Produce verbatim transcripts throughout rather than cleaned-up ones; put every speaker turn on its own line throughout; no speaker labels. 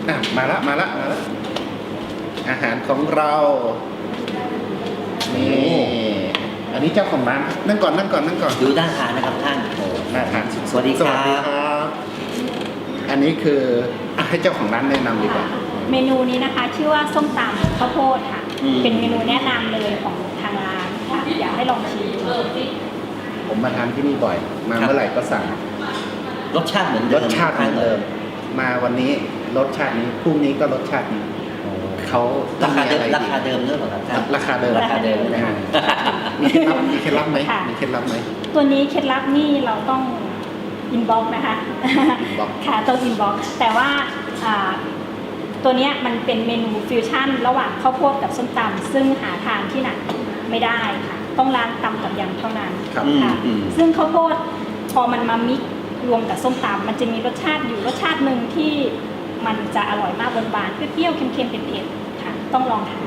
อ่ะมาละมาละมาละอาหารของเรานี่อันนี้เจ้าของร้านนั่งก่อนนั่งก่อนนั่งก่อน
ดูด้านทานนะครับท่าน
โอ้น่าทานสุดๆ
สวัสดีครับ
สวัสดีครับ อันนี้คืออ่ะให้เจ้าของร้านแนะนำดีกว่า
เมนูนี้นะคะชื่อว่าส้มตำข้าวโพดค่ะ
อืม
เป็นเมนูแนะนำเลยของทางร้านค่ะอยากให้ลองชิมดู
ผมมาทานที่นี่บ่อย มาเมื่อไหร่ก็สั่ง
รสชาติเหมือน
ร
เดิม
สชาติเหมือนเดิม มาวันนี้รสชาตินี้พรุ่งนี้ก็รสชาตินี้
โอ้
เขา
ราคาเดิม
อะไร
ราคาเดิมหรือเปล่าครับท่าน
ราคาเดิม
ราคาเดิมนะฮะ
มีเคล็ดลับมีเคล็ดลับไหมมีเคล็ดลับไหม
ตัวนี้เคล็ดลับนี่เราต้องอินบ็อกนะคะ
inbox
ค่ะต้องอินบ็อกแต่ว่าอ่าตัวเนี้ยมันเป็นเมนูฟิวชั่นระหว่างข้าวโพดกับส้มตำซึ่งหาทานที่ไหนไม่ได้ค่ะ ต้องร้านตำกับยำเท่านั้น
ครับ
ค่ะ
อืม
ซึ่งข้าวโพดพอมันมามิกรวมกับส้มตำมันจะมีรสชาติอยู่รสชาติหนึ่งที่มันจะอร่อยมากหวานๆเปรี้ยวๆเค็มๆเผ็ดๆค่ะ ต้องลองทาน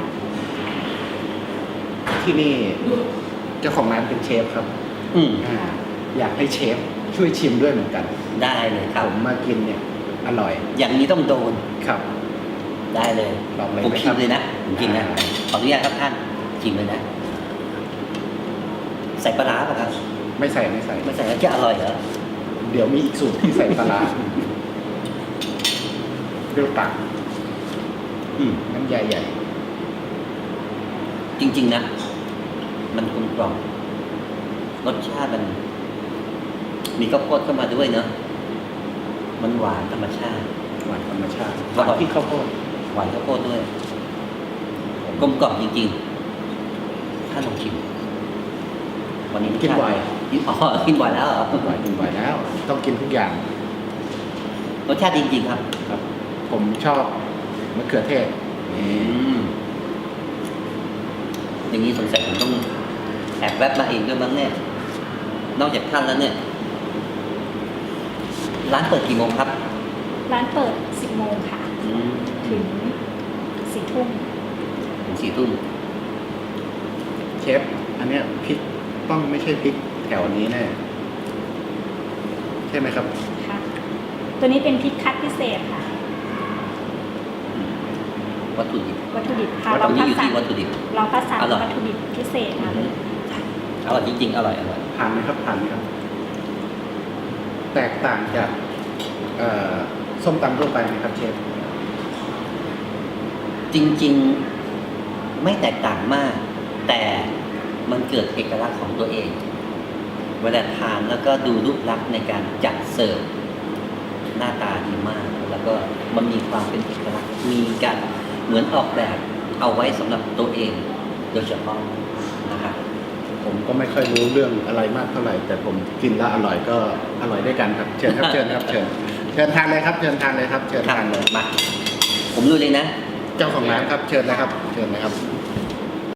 ที่นี่เจ้าของร้านเป็นเชฟครับ
อืม
อ่าอยากให้เชฟช่วยชิมด้วยเหมือนกัน
ได้เลยค
ผ
รับ
มมากินเนี่ยอร่อย
อย่างนี้ต้องโดน
ครับ
ได้เลย
ลองเลย
ผม
ไหม
ชิ
ครั
ม
บ
เลยนะผมกินนะ
อ่า
ขออนุญาตครับท่านชิมเลยนะ ใส่ปลาร้าป่ะครับ
ไม่ใส่ไม่ใส่
ไม่ใส่แล้วจะอร่อยเหรอ
เดี๋ยวมีอีกสูตรที่ใส่ปลาร้าเปรี้ยวตัก
อืม
น้ำใหญ่ใหญ่
จริง ๆนะมันกลมกล่อมรสชาติมัน มีข้าวโพดเข้ามาด้วยเนอะมันหวานธรรมชาติ
หวานธรรมชาติ
อร่อย
ที่ข้าวโพด
หวานข้าวโพดด้วยกลมกล่อมจริงๆท่านลองชิม วันนี้
กินบ่อย
กินอ๋อกินบ่อยแล้วเหรอ
กินบ่อยกินบ่อยแล้ว ต้องกินทุกอย่าง
รสชาติจริงๆครับ
ครับ ผมชอบมะเขือเทศนี่
อืมอย่างนี้สงสัยผมต้องแอบแวบมาเองด้วยมั้งเนี่ยนอกจากท่านแล้วเนี่ย ร้านเปิดกี่โมงครับ
ร้านเปิดสิบโมงค่ะ
อืม
ถึงสี่ทุ่ม
ถึงสี่ทุ่ม
เชฟอันเนี้ยพริกต้องไม่ใช่พริกแถวนี้แน่ใช่ไหมครับ
ค่ะ ตัวนี้เป็นพริกคัดพิเศษค่ะ
วัตถุดิบ
วัตถุดิบค่ะ
วัต
เรา
ถุ
นี้
คัด
อยู่
สรร
ที่วัตถุดิบ
เราคัดสรร
อร่อย
วัตถุดิบพิเศษมาเลย
อร่อยจริงๆ อร่อยอร่อย
ผ่านไหมครับผ่านไหมครับ แตกต่างจากเอ่อส้มตำทั่วไปไหมครับเชฟ
จริงๆ ไม่แตกต่างมาก แต่มันเกิดเอกลักษณ์ของตัวเอง เวลาทานแล้วก็ดูรูปลักษณ์ในการจัดเสิร์ฟหน้าตาดีมาก แล้วก็มันมีความเป็นเอกลักษณ์มีการเหมือนออกแบบเอาไว้สำหรับตัวเอง โดยเฉพาะนะครับ
ผมก็ไม่ค่อยรู้เรื่องอะไรมากเท่าไหร่ แต่ผมกินแล้วอร่อยก็อร่อยด้วยกันครับ เชิญครับเชิญครับเชิญเชิญทานเลยครับ เชิญทานเลยครับ เชิญ
ครับ
ทานเลย
มา ผมรู้เลยนะ
เจ้าของร้านครับ เชิญนะครับ เชิญนะครับ